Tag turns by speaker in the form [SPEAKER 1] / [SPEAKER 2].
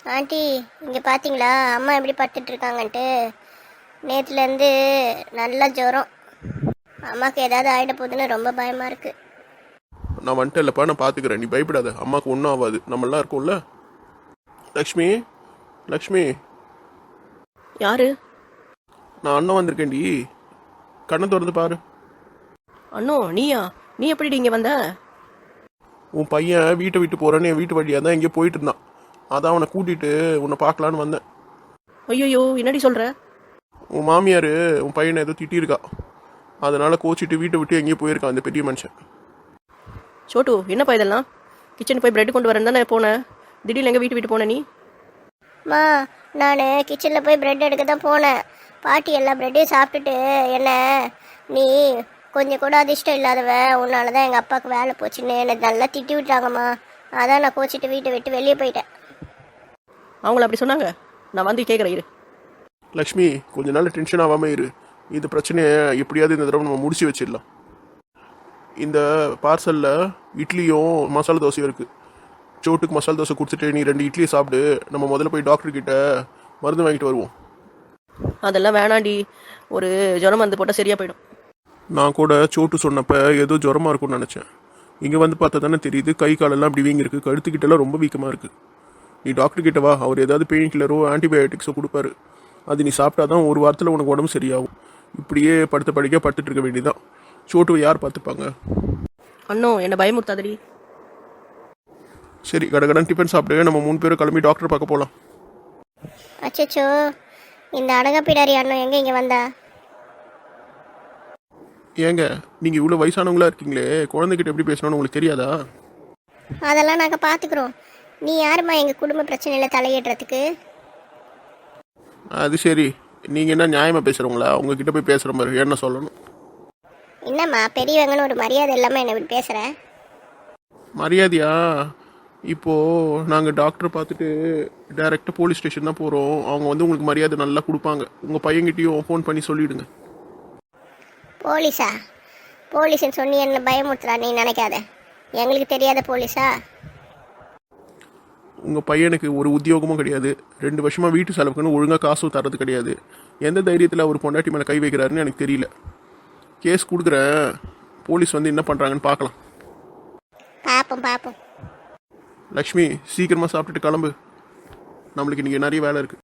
[SPEAKER 1] Aunty இங்கே பார்த்தீங்களா அம்மா எப்படி படுத்துட்டு இருக்காங்கன்ட்டு. நேற்றுலேருந்து நல்ல ஜுரம். அம்மாவுக்கு ஏதாவது ஆகிட போகுதுன்னு ரொம்ப பயமாக இருக்குது.
[SPEAKER 2] நான் வந்துட்டு இல்லைப்பா, நான் பார்த்துக்கிறேன், நீ பயப்படாத. அம்மாவுக்கு ஒன்றும் ஆகாது, நம்மளாம் இருக்கோம்ல. லக்ஷ்மி, லக்ஷ்மி.
[SPEAKER 3] யாரு?
[SPEAKER 2] நான் அண்ணன் வந்திருக்கேன்டி, கண்ணை திறந்து பாரு.
[SPEAKER 3] அண்ணோ நீயா? நீ எப்படி இங்கே வந்த?
[SPEAKER 2] உன் பையன் வீட்டை விட்டு போகிறேன்னு என் வீட்டு வழியாக தான் எங்கேயோ போயிட்டு இருந்தான். அதான் அவனை கூட்டிகிட்டு உன்னை பார்க்கலான்னு வந்தேன்.
[SPEAKER 3] ஐயோ என்னடி சொல்கிற?
[SPEAKER 2] உன் மாமியார் உன் பையனை ஏதோ திட்டியிருக்கா, அதனால் கோச்சிட்டு வீட்டை விட்டு எங்கேயோ போயிருக்கான் அந்த பெரிய மனுஷன்.
[SPEAKER 3] சோட்டு என்னப்பா இதெல்லாம்? கிச்சனுக்கு போய் பிரெட் கொண்டு வரேன் தானே போனேன், திடீர்னு எங்கே வீட்டு போனேன் நீ?
[SPEAKER 1] மா, நான் கிச்சனில் போய் ப்ரெட் எடுக்க தான் போனேன். பாட்டி எல்லா ப்ரெட்டையும் சாப்பிட்டுட்டு என்ன, நீ கொஞ்சம் கூட அதிர்ஷ்டம் இல்லாதவ, உன்னால தான் எங்கள் அப்பாவுக்கு வேலை போச்சுன்னு என்னை நல்லா திட்டி விட்டாங்கம்மா. அதான் நான் கோச்சிட்டு வீட்டை விட்டு வெளியே போயிட்டேன்.
[SPEAKER 3] அவங்கள அப்படி சொன்னாங்க? நான் வந்து கேட்குறேன் இரு.
[SPEAKER 2] லக்ஷ்மி, கொஞ்ச நாள் டென்ஷன் ஆகாமல் இரு. இந்த பிரச்சனையை எப்படியாவது இந்த தடவை நம்ம முடிச்சு வச்சிடலாம். இந்த பார்சலில் இட்லியும் மசாலா தோசையும் இருக்குது. சோட்டுக்கு மசாலா தோசை கொடுத்துட்டு நீ 2 இட்லியை சாப்பிடு. நம்ம முதல்ல போய் டாக்டர்கிட்ட மருந்து வாங்கிட்டு வருவோம்.
[SPEAKER 3] அதெல்லாம் வேணாண்டி, ஒரு ஜுரம் வந்து போட்டால் சரியாக போயிடும்.
[SPEAKER 2] நான் கூட சோட்டு சொன்னப்போ ஏதோ ஜுரமாக இருக்கும்னு நினச்சேன். இங்கே வந்து பார்த்தா தானே தெரியுது, கை காலெல்லாம் இப்படி வீங்கிருக்கு, கழுத்துக்கிட்டலாம் ரொம்ப வீக்கமாக இருக்குது. நீ டாக்டர்கிட்ட வா, அவர் ஏதாவது பெயின் கில்லரோ ஆன்டிபயோட்டிக்ஸோ கொடுப்பாரு. அது நீ சாப்பிட்டா தான் ஒரு வாரத்தில் உனக்கு உடம்பு சரியாகும். இப்படியே படுத்த படிக்க படுத்துட்டு இருக்க வேண்டியதான். சோட்டுவை யார் பார்த்துப்பாங்க?
[SPEAKER 3] அண்ணோ என்னை பயமுறுத்தாதடி.
[SPEAKER 2] சரி, கடகடன் டிஃபன் சாப்பிட்டு நம்ம 3 பேரும் கிளம்பி டாக்டர் பார்க்க போகலாம்.
[SPEAKER 1] அச்சச்சோ, இந்த அடங்கப்பிடாரி அண்ணன் எங்கே இங்கே வந்தா?
[SPEAKER 2] ஏங்க, நீங்கள் இவ்வளோ வயசானவங்களா இருக்கீங்களே, குழந்தைகிட்ட எப்படி பேசணும்னு உங்களுக்கு தெரியாதா?
[SPEAKER 1] அதெல்லாம் நாங்கள் பார்த்துக்குறோம். நீ யாரும்மா எங்கள் குடும்ப பிரச்சனையில் தலையிடுறதுக்கு?
[SPEAKER 2] அது சரி, நீங்கள் என்ன நியாயமாக பேசுகிறவங்களா? உங்ககிட்ட போய் பேசுகிற மாதிரி என்ன சொல்லணும்?
[SPEAKER 1] என்னம்மா பெரியவங்கன்னு ஒரு மரியாதை இல்லாமல் என்ன இப்படி பேசுகிற?
[SPEAKER 2] மரியாதையா? இப்போது நாங்கள் டாக்டரை பார்த்துட்டு டைரெக்டாக போலீஸ் ஸ்டேஷன் தான் போகிறோம். அவங்க வந்து உங்களுக்கு மரியாதை நல்லா கொடுப்பாங்க. உங்கள் பையன்கிட்டையும் ஃபோன் பண்ணி சொல்லிவிடுங்க.
[SPEAKER 1] போலீஸா? போலீஸ்ன்னு சொன்னி என்ன பயமுறுத்துறா நீ நினைக்காத. எங்களுக்கு தெரியாத போலீஸா?
[SPEAKER 2] உங்கள் பையனுக்கு ஒரு உத்தியோகமும் கிடையாது. 2 வருஷமாக வீட்டு செலவுக்குன்னு ஒழுங்காக காசும் தரது கிடையாது. எந்த தைரியத்தில் அவர் பொண்டாட்டி மேலே கை வைக்கிறாருன்னு எனக்கு தெரியல. கேஸ் கொடுக்குறேன், போலீஸ் வந்து என்ன பண்ணுறாங்கன்னு பார்க்கலாம்.
[SPEAKER 1] பார்ப்போம்.
[SPEAKER 2] லக்ஷ்மி, சீக்கிரமாக சாப்பிட்டுட்டு கிளம்பு. நம்மளுக்கு இன்றைக்கி நிறைய வேலை இருக்குது.